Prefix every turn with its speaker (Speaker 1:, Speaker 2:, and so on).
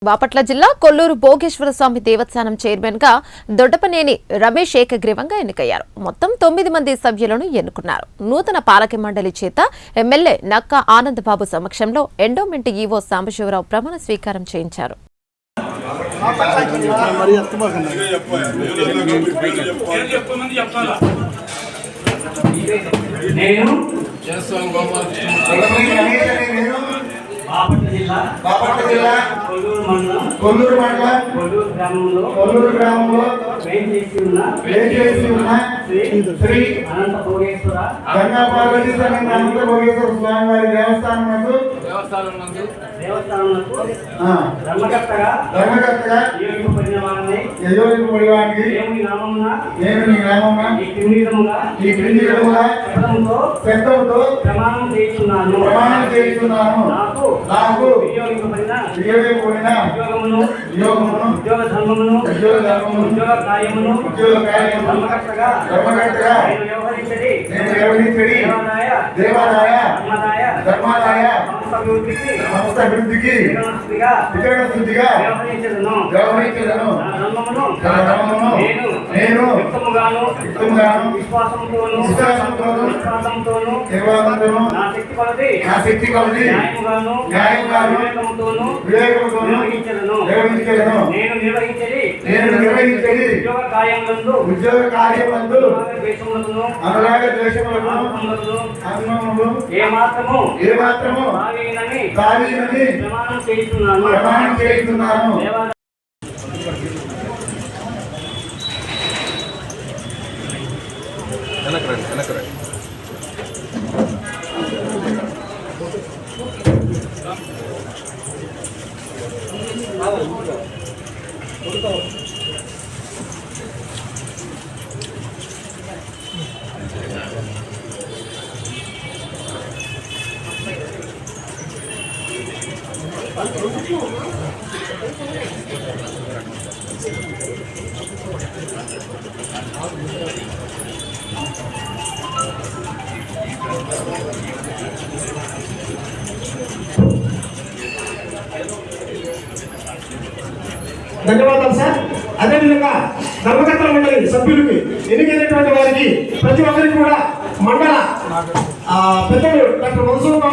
Speaker 1: బాపట్ల జిల్లా కొల్లూరు భోగేశ్వర స్వామి దేవస్థానం చైర్మన్ గా దొడ్డపనేని రమేష్ ఏకగ్రీవంగా ఎన్నికయ్యారు. మొత్తం 9 మంది సభ్యులను ఎన్నుకున్నారు. నూతన పాలక మండలి చేత ఎమ్మెల్యే నక్క ఆనందబాబు సమక్షంలో ఎండోమెంట్ ఈవో సాంబశివరావు ప్రమాణ స్వీకారం చేయించారు.
Speaker 2: బాపట్ల జిల్లా కొల్లూరు మండలం కొల్లూరు గ్రామంలో వేంచేసి ఉన్న శ్రీ అనంత భోగేశ్వర స్వామి వారి దేవస్థానం ధర్మకర్తగా నేను నీ నామమున ఈ క్రింది విధముగా శబ్దముతో ప్రమాణం చేస్తున్నాను. నాకు వినియోగింపబడిన ఉద్యోగమును ఉద్యోగ ధర్మమును ఉద్యోగ కార్యమును ధర్మకర్తగా నేను వ్యవహరించడి దేవాదాయ ధర్మాదాయ సంస్థ అభివృద్ధికి వితరణ శుద్ధిగా వ్యవహరించదను. నేను యుక్తముగాను విశ్వాసంతోను నిర్వాహంతోను నా శక్తి కొలది న్యాయముగాను వివేకముతోను నిర్వహించదను. నేను నిర్వహించడి ఉద్యోగ కార్యములందు అనురాగ ద్వేషములను ఏ మాత్రము కావీనని ప్రమాణం చేస్తున్నాను.
Speaker 3: ధన్యవాదాలు సార్. అదేవిధంగా ధర్మకర్తల మండలి సభ్యులకి ఎన్నికైనటువంటి వారికి ప్రతి ఒక్కరికి కూడా మండల పెద్దలు డాక్టర్